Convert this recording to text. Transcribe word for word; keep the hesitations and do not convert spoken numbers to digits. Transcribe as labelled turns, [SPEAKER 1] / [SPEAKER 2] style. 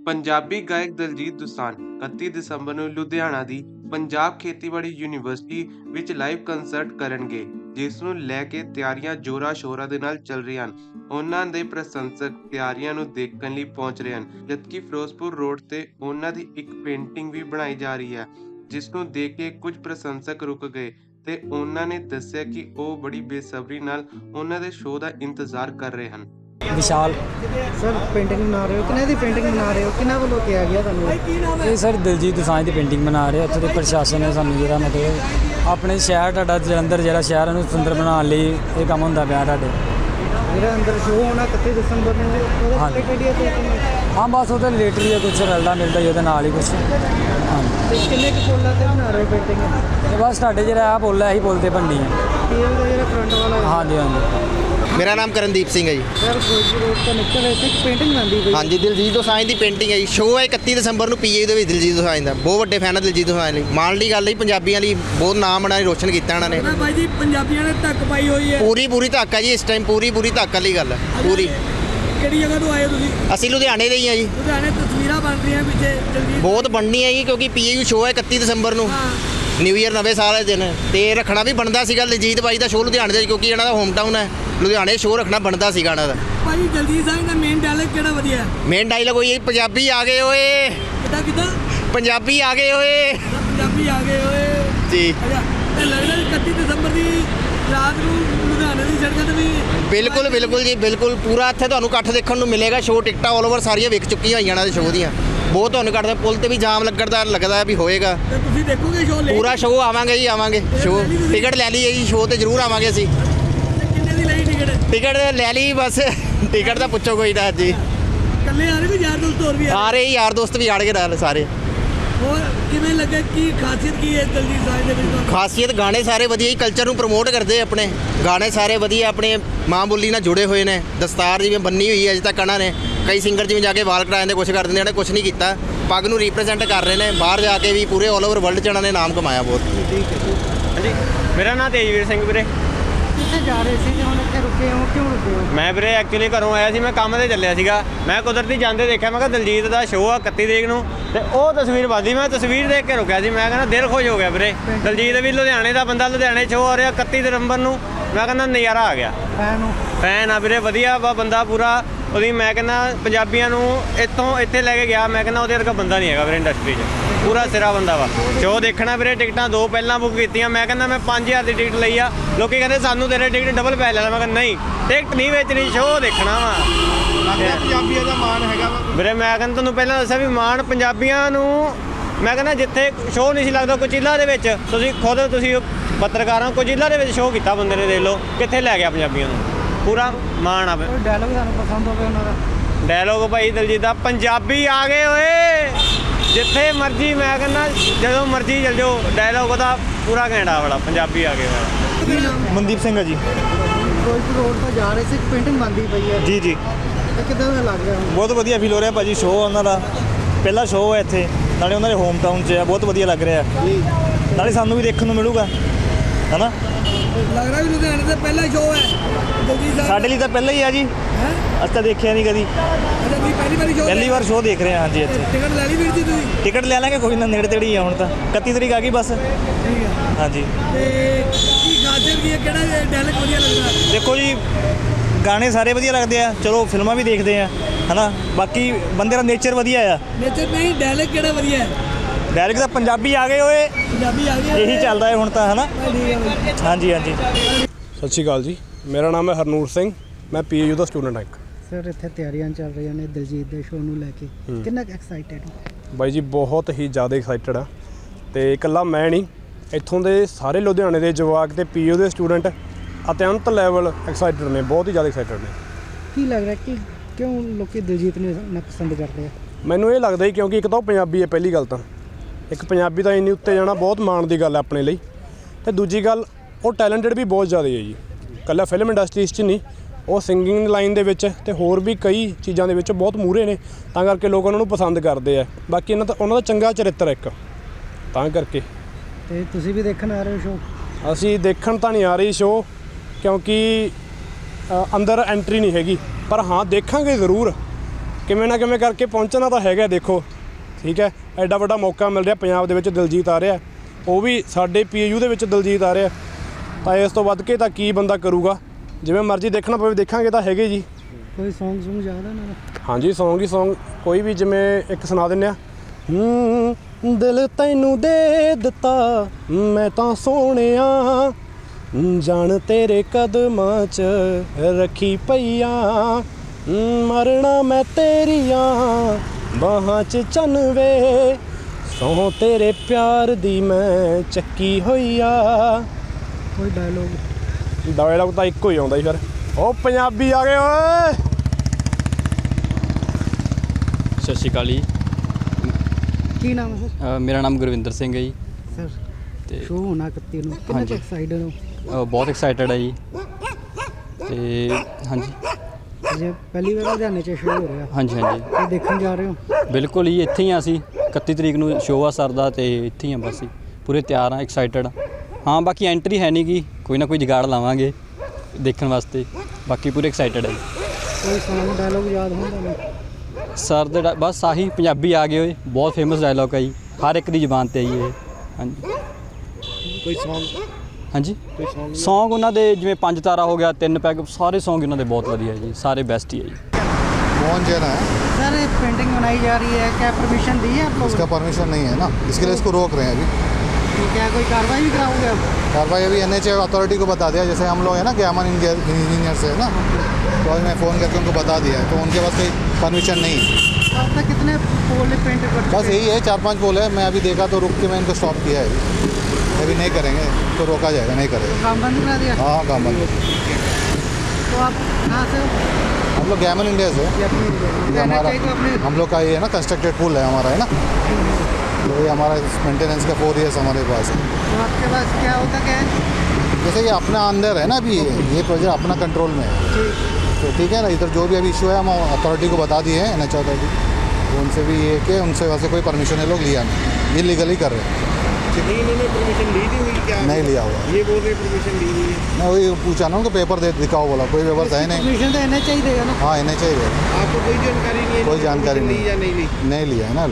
[SPEAKER 1] ਪੰਜਾਬੀ ਗਾਇਕ ਦਲਜੀਤ ਦੋਸਾਂਝ ਇਕੱਤੀ ਦਸੰਬਰ ਨੂੰ ਲੁਧਿਆਣਾ ਦੀ ਪੰਜਾਬ ਖੇਤੀਬਾੜੀ ਯੂਨੀਵਰਸਿਟੀ ਵਿੱਚ ਲਾਈਵ ਕੰਸਰਟ ਕਰਨਗੇ, ਜਿਸ ਨੂੰ ਲੈ ਕੇ ਤਿਆਰੀਆਂ ਜ਼ੋਰਾਂ ਸ਼ੋਰਾਂ ਦੇ ਨਾਲ ਚੱਲ ਰਹੀਆਂ ਹਨ। ਉਹਨਾਂ ਦੇ ਪ੍ਰਸ਼ੰਸਕ ਤਿਆਰੀਆਂ ਨੂੰ ਦੇਖਣ ਲਈ ਪਹੁੰਚ ਰਹੇ ਹਨ, ਜਦਕਿ ਫਿਰੋਜ਼ਪੁਰ ਰੋਡ ਤੇ ਉਹਨਾਂ ਦੀ ਇੱਕ ਪੇਂਟਿੰਗ ਵੀ ਬਣਾਈ ਜਾ ਰਹੀ ਹੈ, ਜਿਸ ਨੂੰ ਦੇਖ ਕੇ ਕੁਝ ਪ੍ਰਸ਼ੰਸਕ ਰੁਕ ਗਏ ਤੇ ਉਹਨਾਂ ਨੇ ਦੱਸਿਆ ਕਿ ਉਹ ਬੜੀ ਬੇਸਬਰੀ ਨਾਲ ਉਹਨਾਂ ਦੇ ਸ਼ੋਅ ਦਾ ਇੰਤਜ਼ਾਰ ਕਰ ਰਹੇ ਹਨ।
[SPEAKER 2] विशाल
[SPEAKER 3] सर पेंटिंग बना रहे हो किन्ने दी पेंटिंग बना रहे हो किन्ना वालों किया गया तुहानू
[SPEAKER 2] ये सर दिलजीत दोसांझ की पेंटिंग बना रहे उत्थे दे प्रशासन ने सानू जिहड़ा मतलब अपने शहर तुहाडा जलंधर जिहड़ा शहर है सुंदर बनाने लई ये काम हुंदा पिया तुहाडे
[SPEAKER 3] मेरा अंदर शो होना इकत्ती दिसंबर ਨੂੰ
[SPEAKER 2] हाँ हाँ बस वो रिलेटेड ही है कुछ रलदा मिलदा ही ਉਹਦੇ ਨਾਲ ही कुछ हाँ
[SPEAKER 3] ਤੇ ਕਿੰਨੇ ਕੁ ਫੁੱਲਾਂ ਤੇ ਬਣਾ ਰਹੇ ਹੋ पेंटिंग
[SPEAKER 2] बस तुहाडे जिहड़ा आ पुल है यही पुल ते बननी है
[SPEAKER 3] ਇਹ ਉਹਦਾ ਜਿਹੜਾ ਫਰੰਟ ਵਾਲਾ
[SPEAKER 2] हाँ जी हाँ जी
[SPEAKER 4] ਮੇਰਾ ਨਾਮ ਕਰਨਦੀਪ ਸਿੰਘ ਹੈ ਜੀ।
[SPEAKER 3] ਸਰ ਫਿਰੋਜ਼ਪੁਰ ਰੋਡ ਤੋਂ ਨਿਕਲ ਇੱਥੇ ਇੱਕ ਪੇਂਟਿੰਗ ਬਣਦੀ ਪਈ
[SPEAKER 4] ਹਾਂਜੀ, ਦਿਲਜੀਤ ਦੋਸਾਂਝ ਦੀ ਪੇਂਟਿੰਗ ਹੈ ਜੀ। ਸ਼ੋਅ ਹੈ ਇਕੱਤੀ ਦਸੰਬਰ ਨੂੰ ਪੀਏ ਦੇ ਵਿੱਚ ਦਿਲਜੀਤ ਦੋਸਾਂਝ ਦਾ। ਬਹੁਤ ਵੱਡੇ ਫੈਨ ਹੈ ਦਿਲਜੀਤ ਦੋਸਾਂਝ ਲਈ। ਮਾਣ ਦੀ ਗੱਲ ਹੈ, ਪੰਜਾਬੀਆਂ ਲਈ ਬਹੁਤ ਨਾਮ ਬਣਾ ਰੋਸ਼ਨ ਕੀਤਾ ਇਹਨਾਂ ਨੇ।
[SPEAKER 3] ਬਾਈ ਜੀ ਪੰਜਾਬੀਆਂ ਨੇ ਧੱਕ ਪਾਈ ਹੋਈ ਹੈ
[SPEAKER 4] ਪੂਰੀ ਪੂਰੀ ਧੱਕ ਹੈ ਜੀ ਇਸ ਟਾਈਮ, ਪੂਰੀ ਪੂਰੀ ਧੱਕ ਵਾਲੀ ਗੱਲ ਹੈ ਪੂਰੀ।
[SPEAKER 3] ਕਿਹੜੀ ਜਗ੍ਹਾ ਤੋਂ ਆਏ ਹੋ ਤੁਸੀਂ?
[SPEAKER 4] ਅਸੀਂ ਲੁਧਿਆਣੇ ਦੇ ਹੀ ਹਾਂ ਜੀ।
[SPEAKER 3] ਲੁਧਿਆਣੇ ਤਸਵੀਰਾਂ ਬਣ ਰਹੀਆਂ ਪਿੱਛੇ ਜਲਦੀ
[SPEAKER 4] ਬਹੁਤ ਬਣਨੀ ਹੈ ਜੀ, ਕਿਉਂਕਿ ਪੀਏ ਯੂ ਸ਼ੋਅ ਹੈ ਇਕੱਤੀ ਦਸੰਬਰ ਨੂੰ, ਨਿਊ ਈਅਰ ਨਵੇਂ ਸਾਲ ਦੇ ਦਿਨ, ਤੇ ਰੱਖਣਾ ਵੀ ਬਣਦਾ ਸੀਗਾ ਦਿਲਜੀਤ ਬਾਈ ਦਾ ਸ਼ੋਅ ਲੁਧਿਆਣੇ ਦੇ, ਕਿਉਂਕਿ ਇਹਨਾਂ ਦਾ ਹੋਮ ਟਾਊਨ ਹੈ ਲੁਧਿਆਣੇ। ਸ਼ੋਅ ਰੱਖਣਾ ਬਣਦਾ ਸੀਗਾ ਇਹਨਾਂ ਦਾ।
[SPEAKER 3] ਭਾਜੀ ਦਲਜੀਤ ਸਾਹਿਬ ਦਾ ਮੇਨ ਡਾਇਲੌਗ ਕਿਹੜਾ ਵਧੀਆ?
[SPEAKER 4] ਮੇਨ ਡਾਇਲੌਗ ਹੋਈ ਪੰਜਾਬੀ ਆ ਗਏ ਓਏ,
[SPEAKER 3] ਕਿੱਦਾਂ ਕਿੱਦਾਂ
[SPEAKER 4] ਪੰਜਾਬੀ ਆ ਗਏ ਓਏ
[SPEAKER 3] ਪੰਜਾਬੀ ਆ ਗਏ ਓਏ
[SPEAKER 4] ਜੀ।
[SPEAKER 3] ਅੱਛਾ, ਤੇ ਲੱਗਦਾ ਇਕੱਤੀ ਦਸੰਬਰ ਦੀ ਰਾਤ ਨੂੰ ਲੁਧਿਆਣੇ ਦੀ ਸੜਕਾਂ ਤੇ ਵੀ
[SPEAKER 4] ਬਿਲਕੁਲ ਬਿਲਕੁਲ ਜੀ, ਬਿਲਕੁਲ ਪੂਰਾ ਇੱਥੇ ਤੁਹਾਨੂੰ ਇਕੱਠ ਦੇਖਣ ਨੂੰ ਮਿਲੇਗਾ। ਸ਼ੋਅ ਟਿਕਟਾਂ ਆਲ ਓਵਰ ਸਾਰੀਆਂ ਵਿਕ ਚੁੱਕੀਆਂ ਹੋਈਆਂ ਇਹਨਾਂ ਦੇ ਸ਼ੋਅ ਦੀਆਂ। ਬਹੁਤ ਤੁਹਾਨੂੰ ਇਕੱਠ ਪੁਲ ਤੇ ਵੀ ਜਾਮ ਲੱਗਣ ਦਾ ਲੱਗਦਾ ਵੀ ਹੋਏਗਾ।
[SPEAKER 3] ਤੇ ਤੁਸੀਂ ਦੇਖੋਗੇ ਸ਼ੋਅ ਲੈ
[SPEAKER 4] ਪੂਰਾ ਸ਼ੋਅ ਆਵਾਂਗੇ ਜੀ, ਆਵਾਂਗੇ ਸ਼ੋਅ। ਟਿਕਟ ਲੈ ਲਈ ਹੈ ਜੀ, ਸ਼ੋਅ ਤੇ ਜ਼ਰੂਰ ਆਵਾਂਗੇ ਅਸੀਂ।
[SPEAKER 3] ਕਿੰਨੇ ਦੀ ਲਈ ਟਿਕਟ?
[SPEAKER 4] ਟਿਕਟ ਲੈ ਲਈ ਬਸ, ਟਿਕਟ ਦਾ ਪੁੱਛੋ ਕੋਈ ਨਾ ਜੀ।
[SPEAKER 3] ਇਕੱਲੇ ਆ ਰਹੇ ਕੋਈ ਯਾਰ ਦੋਸਤ ਹੋਰ ਵੀ ਆ
[SPEAKER 4] ਆ ਰਹੇ ਯਾਰ ਦੋਸਤ ਵੀ ਆੜ ਕੇ ਨਾਲ ਸਾਰੇ।
[SPEAKER 3] ਹੋਰ ਕਿਵੇਂ ਲੱਗਾ, ਕੀ ਖਾਸੀਅਤ ਕੀ ਹੈ ਦਲਜੀਤ ਸਾਹਿਬ ਦੇ ਵਿੱਚ ਤੁਹਾਨੂੰ?
[SPEAKER 4] ਖਾਸੀਅਤ ਗਾਣੇ ਸਾਰੇ ਵਧੀਆ ਹੀ, ਕਲਚਰ ਨੂੰ ਪ੍ਰਮੋਟ ਕਰਦੇ ਆਪਣੇ। ਗਾਣੇ ਸਾਰੇ ਵਧੀਆ, ਆਪਣੇ ਮਾਂ ਬੋਲੀ ਨਾਲ ਜੁੜੇ ਹੋਏ ਨੇ। ਦਸਤਾਰ ਜਿਵੇਂ ਬੰਨੀ ਹੋਈ ਹੈ ਅਜੇ ਤੱਕ ਇਹਨਾਂ ਨੇ। ਕਈ ਸਿੰਗਰ ਜਿਵੇਂ ਜਾ ਕੇ ਵਾਲ ਕਟਾ ਜਾਂਦੇ, ਕੁਛ ਕਰ ਦਿੰਦੇ, ਇਹਨੇ ਕੁਛ ਨਹੀਂ ਕੀਤਾ। ਪੱਗ ਨੂੰ ਰਿਪਰੈਜ਼ੈਂਟ ਕਰ ਰਹੇ ਨੇ। ਬਾਹਰ ਜਾ ਕੇ ਵੀ ਪੂਰੇ ਆਲ ਓਵਰ ਵਰਲਡ 'ਚ ਇਹਨਾਂ ਨੇ ਨਾਮ ਕਮਾਇਆ ਬਹੁਤ।
[SPEAKER 5] ਹਾਂਜੀ, ਮੇਰਾ ਨਾਮ ਤੇਜਵੀਰ ਸਿੰਘ ਵੀਰੇ।
[SPEAKER 3] ਕਿੱਥੇ ਜਾ ਰਹੇ ਸੀ ਤੇ ਹੁਣ ਇੱਥੇ ਰੁਕੇ ਹੋ, ਕਿਉਂ ਰੁਕੇ ਹੋ?
[SPEAKER 5] ਮੈਂ ਵੀਰੇ ਐਕਚੁਅਲੀ ਘਰੋਂ ਆਇਆ ਸੀ, ਮੈਂ ਕੰਮ ਤੇ ਚੱਲਿਆ ਸੀਗਾ। ਮੈਂ ਕੁਦਰਤੀ ਜਾਂਦੇ ਦੇਖਿਆ, ਮੈਂ ਕਿਹਾ ਦਲਜੀਤ ਦਾ ਸ਼ੋਅ ਆ ਇਕੱਤੀ ਤਰੀਕ ਨੂੰ, ਤੇ ਉਹ ਤਸਵੀਰ ਵੱਜਦੀ। ਮੈਂ ਤਸਵੀਰ ਦੇਖ ਕੇ ਰੁਕਿਆ ਸੀ। ਮੈਂ ਕਹਿੰਦਾ ਦਿਲ ਖੁਸ਼ ਹੋ ਗਿਆ ਵੀਰੇ। ਦਲਜੀਤ ਵੀ ਲੁਧਿਆਣੇ ਦਾ ਬੰਦਾ, ਲੁਧਿਆਣੇ ਸ਼ੋਅ ਆ ਰਿਹਾ ਇਕੱਤੀ ਦਸੰਬਰ ਨੂੰ। ਮੈਂ ਕਹਿੰਦਾ ਨਜ਼ਾਰਾ ਆ ਗਿਆ।
[SPEAKER 3] ਫੈਨ ਹੋ?
[SPEAKER 5] ਫੈਨ ਆ ਵੀਰੇ, ਵਧੀਆ ਵਾ ਬੰਦਾ ਪੂਰਾ ਉਹਦੀ। ਮੈਂ ਕਹਿੰਦਾ ਪੰਜਾਬੀਆਂ ਨੂੰ ਇੱਥੋਂ ਇੱਥੇ ਲੈ ਕੇ ਗਿਆ। ਮੈਂ ਕਹਿੰਦਾ ਉਹਦੇ ਵਰਗਾ ਬੰਦਾ ਨਹੀਂ ਹੈਗਾ ਵੀਰੇ ਇੰਡਸਟਰੀ 'ਚ। ਪੂਰਾ ਸਿਰਾ ਬੰਦਾ ਵਾ। ਸ਼ੋਅ ਦੇਖਣਾ ਵੀਰੇ, ਟਿਕਟਾਂ ਦੋ ਪਹਿਲਾਂ ਬੁੱਕ ਕੀਤੀਆਂ। ਮੈਂ ਕਹਿੰਦਾ ਮੈਂ ਪੰਜ ਹਜ਼ਾਰ ਦੀ ਟਿਕਟ ਲਈ ਆ। ਲੋਕੀ ਕਹਿੰਦੇ ਸਾਨੂੰ ਤੇਰੇ ਟਿਕਟ ਡਬਲ ਪੈ ਲੈਣਾ। ਮੈਂ ਕਹਿੰਦਾ ਨਹੀਂ, ਟਿਕਟ ਨਹੀਂ ਵੇਚਣੀ, ਸ਼ੋਅ ਦੇਖਣਾ ਵਾ।
[SPEAKER 4] ਪੰਜਾਬੀਆਂ ਦਾ ਮਾਣ ਹੈਗਾ ਵਾ
[SPEAKER 5] ਵੀਰੇ ਮੈਂ ਕਹਿੰਦਾ ਤੁਹਾਨੂੰ ਪਹਿਲਾਂ ਦੱਸਿਆ ਵੀ ਮਾਣ ਪੰਜਾਬੀਆਂ ਨੂੰ। ਮੈਂ ਕਹਿੰਦਾ ਜਿੱਥੇ ਸ਼ੋਅ ਨਹੀਂ ਸੀ ਲੱਗਦਾ ਕੋਚੀਲਾ ਦੇ ਵਿੱਚ, ਤੁਸੀਂ ਖੁਦ ਤੁਸੀਂ ਪੱਤਰਕਾਰਾਂ ਕੋਚੀਲਾ ਦੇ ਵਿੱਚ ਸ਼ੋਅ ਕੀਤਾ ਬੰਦੇ ਨੇ, ਦੇਖ ਲਓ ਕਿੱਥੇ ਲੈ ਗਿਆ ਪੰਜਾਬੀਆਂ ਨੂੰ। ਪੂਰਾ ਮਾਣ ਆ।
[SPEAKER 3] ਕੋਈ ਡਾਇਲੌਗ ਤੁਹਾਨੂੰ ਪਸੰਦ ਹੋਵੇ ਉਹਨਾਂ ਦਾ?
[SPEAKER 5] ਡਾਇਲੋਗ ਭਾਈ ਦਲਜੀਤ ਦਾ, ਪੰਜਾਬੀ ਆ ਗਏ ਓਏ, ਜਿੱਥੇ ਮਰਜੀ। ਮੈਂ ਕਹਿੰਦਾ ਜਦੋਂ ਮਰਜੀ ਚਲ ਜਾਓ, ਡਾਇਲੋਗ ਉਹਦਾ ਪੂਰਾ ਘੈਂਟਾ ਵਾਲਾ, ਪੰਜਾਬੀ ਆ ਗਏ ਵਾਲਾ।
[SPEAKER 6] ਮਨਦੀਪ ਸਿੰਘ ਹੈ ਜੀ।
[SPEAKER 3] ਫਿਰੋਜ਼ਪੁਰ ਰੋਡ ਤੋਂ ਜਾ ਰਹੇ ਸੀ, ਪੇਂਟਿੰਗ ਬਣਦੀ ਪਈ ਹੈ।
[SPEAKER 6] ਜੀ ਜੀ,
[SPEAKER 3] ਤੇ ਕਿੱਦਾਂ ਦਾ ਲੱਗ ਰਿਹਾ?
[SPEAKER 6] ਬਹੁਤ ਵਧੀਆ ਫੀਲ ਹੋ ਰਿਹਾ ਭਾਜੀ। ਸ਼ੋਅ ਉਹਨਾਂ ਦਾ ਪਹਿਲਾ ਸ਼ੋਅ ਹੈ ਇੱਥੇ, ਨਾਲੇ ਉਹਨਾਂ ਦੇ ਹੋਮ ਟਾਊਨ 'ਚ ਹੈ। ਬਹੁਤ ਵਧੀਆ ਲੱਗ ਰਿਹਾ, ਨਾਲੇ ਸਾਨੂੰ ਵੀ ਦੇਖਣ ਨੂੰ ਮਿਲੂਗਾ, ਹੈ ਨਾ।
[SPEAKER 3] ਲੱਗ ਰਿਹਾ ਵੀ ਲੁਧਿਆਣੇ ਦਾ ਪਹਿਲਾ ਸ਼ੋਅ ਹੈ ਦਲਜੀਤ ਸਾਹਿਬ।
[SPEAKER 6] ਸਾਡੇ ਲਈ ਤਾਂ ਪਹਿਲਾਂ ਹੀ ਆ ਜੀ,
[SPEAKER 3] ਹੈ
[SPEAKER 6] ਅਸੀਂ ਤਾਂ ਦੇਖਿਆ ਨਹੀਂ ਕਦੀ,
[SPEAKER 3] ਅੱਛਾ, ਤੁਸੀਂ ਪਹਿਲੀ ਵਾਰੀ ਸ਼ੋਅ
[SPEAKER 6] ਪਹਿਲੀ ਵਾਰ ਸ਼ੋਅ ਦੇਖ ਰਹੇ ਹਾਂ। ਹਾਂਜੀ, ਇੱਥੇ
[SPEAKER 3] ਟਿਕਟ ਲੈ ਲਈ ਵੀਰ ਜੀ ਤੁਸੀਂ?
[SPEAKER 6] ਟਿਕਟ ਲੈ ਲਾਂਗੇ, ਕੋਈ ਨਾ, ਨੇੜੇ ਤੇੜੇ ਹੀ ਆ ਹੁਣ ਤਾਂ। ਇਕੱਤੀ ਤਰੀਕ ਆ ਗਈ ਬਸ।
[SPEAKER 3] ਠੀਕ ਹੈ।
[SPEAKER 6] ਹਾਂਜੀ,
[SPEAKER 3] ਤੇ ਕੀ ਖਾਸੀਅਤ ਕੀ ਹੈ, ਕਿਹੜਾ ਡਾਇਲੌਗ ਵਧੀਆ ਲੱਗਦਾ?
[SPEAKER 6] ਦੇਖੋ ਜੀ, ਗਾਣੇ ਸਾਰੇ ਵਧੀਆ ਲੱਗਦੇ ਆ। ਚਲੋ ਫਿਲਮਾਂ ਵੀ ਦੇਖਦੇ ਆ, ਹੈ ਨਾ। ਬਾਕੀ ਬੰਦੇ ਦਾ ਨੇਚਰ ਵਧੀਆ ਆ।
[SPEAKER 3] ਨੇਚਰ ਨਹੀਂ, ਡਾਇਲੌਗ ਕਿਹੜਾ ਵਧੀਆ ਹੈ?
[SPEAKER 6] ਡਾਇਰੈਕਟ ਤਾਂ ਪੰਜਾਬੀ ਆ ਗਏ ਓਏ,
[SPEAKER 3] ਪੰਜਾਬੀ ਆ ਗਿਆ
[SPEAKER 6] ਇਹੀ ਚੱਲਦਾ ਹੈ ਹੁਣ ਤਾਂ, ਹੈ ਨਾ।
[SPEAKER 3] ਠੀਕ ਹੈ ਬਾਈ।
[SPEAKER 6] ਹਾਂਜੀ ਹਾਂਜੀ।
[SPEAKER 7] ਸਤਿ ਸ਼੍ਰੀ ਅਕਾਲ ਜੀ, ਮੇਰਾ ਨਾਮ ਹੈ ਹਰਨੂਰ ਸਿੰਘ। ਮੈਂ ਪੀ ਯੂ ਦਾ ਸਟੂਡੈਂਟ ਹਾਂ।
[SPEAKER 3] ਸਰ ਇੱਥੇ ਤਿਆਰੀਆਂ ਚੱਲ ਰਹੀਆਂ ਨੇ ਦਲਜੀਤ ਦੇ ਸ਼ੋਅ ਨੂੰ ਲੈ ਕੇ, ਕਿੰਨਾ ਐਕਸਾਈਟਡ ਹੋ?
[SPEAKER 7] ਬਾਈ ਜੀ ਬਹੁਤ ਹੀ ਜ਼ਿਆਦਾ ਐਕਸਾਈਟਡ ਆ। ਤੇ ਇਕੱਲਾ ਮੈਂ ਨਹੀਂ, ਇੱਥੋਂ ਦੇ ਸਾਰੇ ਲੁਧਿਆਣੇ ਦੇ ਜਵਾਕ ਤੇ ਪੀ ਯੂ ਦੇ ਸਟੂਡੈਂਟ ਅਤਿਅੰਤ ਲੈਵਲ ਐਕਸਾਈਟਡ ਨੇ, ਬਹੁਤ ਹੀ ਜ਼ਿਆਦਾ ਐਕਸਾਈਟਡ ਨੇ।
[SPEAKER 3] ਕੀ ਲੱਗ ਰਿਹਾ ਕਿ ਕਿਉਂ ਲੋਕੀ ਦਲਜੀਤ ਨੂੰ ਇੰਨਾ ਪਸੰਦ ਕਰਦੇ ਆ?
[SPEAKER 7] ਮੈਨੂੰ ਇਹ ਲੱਗਦਾ ਹੀ ਕਿਉਂਕਿ ਇੱਕ ਤਾਂ ਉਹ ਪੰਜਾਬੀ ਹੈ, ਪਹਿਲੀ ਗੱਲ ਤਾਂ। ਇੱਕ ਪੰਜਾਬੀ ਤਾਂ ਇੰਨੀ ਉੱਤੇ ਜਾਣਾ ਬਹੁਤ ਮਾਣ ਦੀ ਗੱਲ ਹੈ ਆਪਣੇ ਲਈ। ਅਤੇ ਦੂਜੀ ਗੱਲ, ਉਹ ਟੈਲੈਂਟਡ ਵੀ ਬਹੁਤ ਜ਼ਿਆਦਾ ਹੈ ਜੀ। ਇਕੱਲਾ ਫਿਲਮ ਇੰਡਸਟਰੀ 'ਚ ਨਹੀਂ, ਉਹ ਸਿੰਗਿੰਗ ਲਾਈਨ ਦੇ ਵਿੱਚ ਅਤੇ ਹੋਰ ਵੀ ਕਈ ਚੀਜ਼ਾਂ ਦੇ ਵਿੱਚ ਬਹੁਤ ਮੂਹਰੇ ਨੇ, ਤਾਂ ਕਰਕੇ ਲੋਕ ਉਹਨਾਂ ਨੂੰ ਪਸੰਦ ਕਰਦੇ ਆ। ਬਾਕੀ ਇਹਨਾਂ ਦਾ ਉਹਨਾਂ ਦਾ ਚੰਗਾ ਚਰਿੱਤਰ ਇੱਕ, ਤਾਂ ਕਰਕੇ।
[SPEAKER 3] ਤੇ ਤੁਸੀਂ ਵੀ ਦੇਖਣ ਆ ਰਹੇ ਹੋ ਸ਼ੋਅ?
[SPEAKER 7] ਅਸੀਂ ਦੇਖਣ ਤਾਂ ਨਹੀਂ ਆ ਰਹੀ ਸ਼ੋਅ, ਕਿਉਂਕਿ ਅੰਦਰ ਐਂਟਰੀ ਨਹੀਂ ਹੈਗੀ, ਪਰ ਹਾਂ ਦੇਖਾਂਗੇ ਜ਼ਰੂਰ। ਕਿਵੇਂ ਨਾ ਕਿਵੇਂ ਕਰਕੇ ਪਹੁੰਚਣਾ ਤਾਂ ਹੈਗਾ ਦੇਖੋ, ਠੀਕ ਹੈ। ਐਡਾ ਵੱਡਾ ਮੌਕਾ ਮਿਲ ਰਿਹਾ ਪੰਜਾਬ ਦੇ ਵਿੱਚ, ਦਿਲਜੀਤ ਆ ਰਿਹਾ, ਉਹ ਵੀ ਸਾਡੇ ਪੀਯੂ ਦੇ ਵਿੱਚ ਦਿਲਜੀਤ ਆ ਰਿਹਾ, ਤਾਂ ਇਸ ਤੋਂ ਵੱਧ ਕੇ ਤਾਂ ਕੀ ਬੰਦਾ ਕਰੂਗਾ। ਜਿਵੇਂ ਮਰਜ਼ੀ ਦੇਖਣਾ ਪਵੇ ਦੇਖਾਂਗੇ ਤਾਂ ਹੈਗੇ ਜੀ।
[SPEAKER 3] ਕੋਈ ਸੌਂਗ ਸੁੰਗ ਯਾਦ ਹੈ ਨਾ?
[SPEAKER 7] ਹਾਂਜੀ ਸੌਂਗ ਹੀ ਸੌਂਗ, ਕੋਈ ਵੀ ਜਿਵੇਂ ਇੱਕ ਸੁਣਾ ਦਿੰਦੇ ਆ। ਹੂੰ ਦਿਲ ਤੈਨੂੰ ਦੇ ਦਿੱਤਾ ਮੈਂ ਤਾਂ ਸੋਹਣਿਆ, ਜਾਣ ਤੇਰੇ ਕਦਮਾਂ 'ਚ ਰੱਖੀ ਪਈਆ, ਮਰਨਾ ਮੈਂ ਤੇਰੀਆਂ ਬਾਹਾਂ 'ਚ ਚੰਨ ਵੇ, ਸਹੁੰ ਤੇਰੇ ਪਿਆਰ ਦੀ ਮੈਂ ਚੱਕੀ ਹੋਈ ਆ।
[SPEAKER 3] ਕੋਈ ਡਾਇਲੋਗ?
[SPEAKER 7] ਡਾਇਲੌਗ ਤਾਂ ਇੱਕੋ ਹੀ ਆਉਂਦਾ ਜੀ ਫਿਰ, ਉਹ ਪੰਜਾਬੀ ਆ ਗਏ ਓਏ।
[SPEAKER 2] ਸਤਿ ਸ਼੍ਰੀ ਅਕਾਲ ਜੀ।
[SPEAKER 3] ਕੀ ਨਾਮ ਹੈ ਸਰ?
[SPEAKER 2] ਅ, ਮੇਰਾ ਨਾਮ ਗੁਰਵਿੰਦਰ ਸਿੰਘ ਹੈ ਜੀ।
[SPEAKER 3] ਸਰ
[SPEAKER 2] ਤੇ
[SPEAKER 3] ਸ਼ੋਅ ਹੋਣਾ ਇਕੱਤੀ ਨੂੰ, ਕਿੰਨਾ
[SPEAKER 2] ਹਾਂਜੀ।
[SPEAKER 3] ਐਕਸਾਈਟਡ ਹੋ?
[SPEAKER 2] ਅ, ਬਹੁਤ ਐਕਸਾਈਟਡ ਹੈ ਜੀ। ਤੇ ਹਾਂਜੀ
[SPEAKER 3] ਜੇ ਪਹਿਲੀ ਵਾਰ ਲੁਧਿਆਣੇ 'ਚ ਸ਼ੋਅ ਹੋ ਰਿਹਾ,
[SPEAKER 2] ਹਾਂਜੀ ਹਾਂਜੀ
[SPEAKER 3] ਤੇ ਦੇਖਣ ਜਾ ਰਹੇ ਹੋ?
[SPEAKER 2] ਬਿਲਕੁਲ ਜੀ, ਇੱਥੇ ਹੀ ਹਾਂ ਅਸੀਂ। ਇਕੱਤੀ ਤਰੀਕ ਨੂੰ ਸ਼ੋਅ ਆ ਸਰ ਦਾ, ਤੇ ਇੱਥੇ ਹੀ ਹਾਂ ਬਸ, ਪੂਰੇ ਤਿਆਰ ਹਾਂ, ਐਕਸਾਈਟਡ ਹਾਂ। ਬਾਕੀ ਐਂਟਰੀ ਹੈ ਨਹੀਂ ਗੀ, ਕੋਈ ਨਾ ਕੋਈ ਜੁਗਾੜ ਲਾਵਾਂਗੇ ਦੇਖਣ ਵਾਸਤੇ, ਬਾਕੀ ਪੂਰੇ ਐਕਸਾਈਟਡ ਹੈ ਜੀ।
[SPEAKER 3] ਕੋਈ ਸੌਂਗ ਡਾਇਲੋਗ ਯਾਦ ਹੁੰਦਾ ਨਹੀਂ?
[SPEAKER 2] ਸਰ ਦੇ ਡਾ- ਬਸ ਆਹੀ ਪੰਜਾਬੀ ਆ ਗਏ ਹੋਏ, ਬਹੁਤ ਫੇਮਸ ਡਾਇਲੌਗ ਹੈ ਜੀ, ਹਰ ਇੱਕ ਦੀ ਜ਼ੁਬਾਨ 'ਤੇ ਆਈ ਇਹ। ਹਾਂਜੀ
[SPEAKER 7] ਕੋਈ ਸੌਂਗ?
[SPEAKER 2] ਹਾਂਜੀ
[SPEAKER 7] ਕੋਈ ਸੌਂਗ?
[SPEAKER 2] ਸੌਂਗ ਉਹਨਾਂ ਦੇ ਜਿਵੇਂ ਪੰਜ ਤਾਰਾ ਹੋ ਗਿਆ, ਤਿੰਨ ਪੈਗ, ਸਾਰੇ ਸੌਂਗ ਉਹਨਾਂ ਦੇ ਬਹੁਤ ਵਧੀਆ ਜੀ, ਸਾਰੇ ਬੈਸਟ ਹੀ ਹੈ ਜੀ।
[SPEAKER 8] मोहन जैन है,
[SPEAKER 3] सर ये पेंटिंग बनाई जा रही है, क्या परमिशन दी है आप लोगों
[SPEAKER 8] इसका
[SPEAKER 3] ने?
[SPEAKER 8] परमिशन नहीं है ना, इसके लिए इसको रोक रहे हैं अभी।
[SPEAKER 3] तो क्या कोई कार्रवाई भी कराओगे आप?
[SPEAKER 8] कार्रवाई अभी एन एच ए अथॉरिटी को बता दिया, जैसे हम लोग हैं ना ग्यामन इंजीनियर से है ना, तो अभी मैं फ़ोन करके उनको बता दिया है, तो उनके पास कोई परमिशन नहीं है।
[SPEAKER 3] तो अब तक कितने पोल पेंट कर चुके
[SPEAKER 8] बस
[SPEAKER 3] हैं?
[SPEAKER 8] यही है, चार पांच पोल है, मैं अभी देखा तो रुक के मैं इनको स्टॉप किया है अभी। अभी नहीं करेंगे तो रोका जाएगा, नहीं करेगा।
[SPEAKER 3] काम बंद करा दिया?
[SPEAKER 8] हाँ हाँ काम बंद।
[SPEAKER 3] तो आप कहाँ से हो?
[SPEAKER 8] हम लोग ग्यामन इंडिया से
[SPEAKER 3] ये अपनी
[SPEAKER 8] ये
[SPEAKER 3] रहना
[SPEAKER 8] हमारा
[SPEAKER 3] चाहिए तो अपने
[SPEAKER 8] हम लोग का ये है ना कंस्ट्रक्टेड पुल है हमारा, है ना, तो ये हमारा मेंटेनेंस का फोर ईयर्स हमारे पास है।
[SPEAKER 3] तो आपके पास क्या होता क्या है?
[SPEAKER 8] जैसे ये अपना अंदर है ना, अभी ये ये प्रोजेक्ट अपना कंट्रोल में है,
[SPEAKER 3] ठीक।
[SPEAKER 8] तो ठीक है ना। इधर जो भी अभी इशू है हम अथॉरिटी को बता दिए हैं, एन एच अथॉरिटी, तो उनसे भी ये कि उनसे वैसे कोई परमिशन ये लोग लिया नहीं, ये लीगली कर रहे हैं।
[SPEAKER 1] नहीं इन्होंने परमिशन ली नहीं हुई क्या?
[SPEAKER 8] नहीं लिया हुआ,
[SPEAKER 1] ये बोल रहे परमिशन ली हुई है।
[SPEAKER 8] मैं वही पूछा ना उनको, पेपर दे दिखाओ, बोला कोई पेपर है नहीं।
[SPEAKER 3] परमिशन तो एन एच चाहिए देगा ना?
[SPEAKER 8] हाँ एन एच आई
[SPEAKER 1] आपको कोई जानकारी नहीं है?
[SPEAKER 8] कोई जानकारी
[SPEAKER 1] ली
[SPEAKER 8] नहीं।
[SPEAKER 1] या नहीं ली?
[SPEAKER 8] नहीं लिया है ना।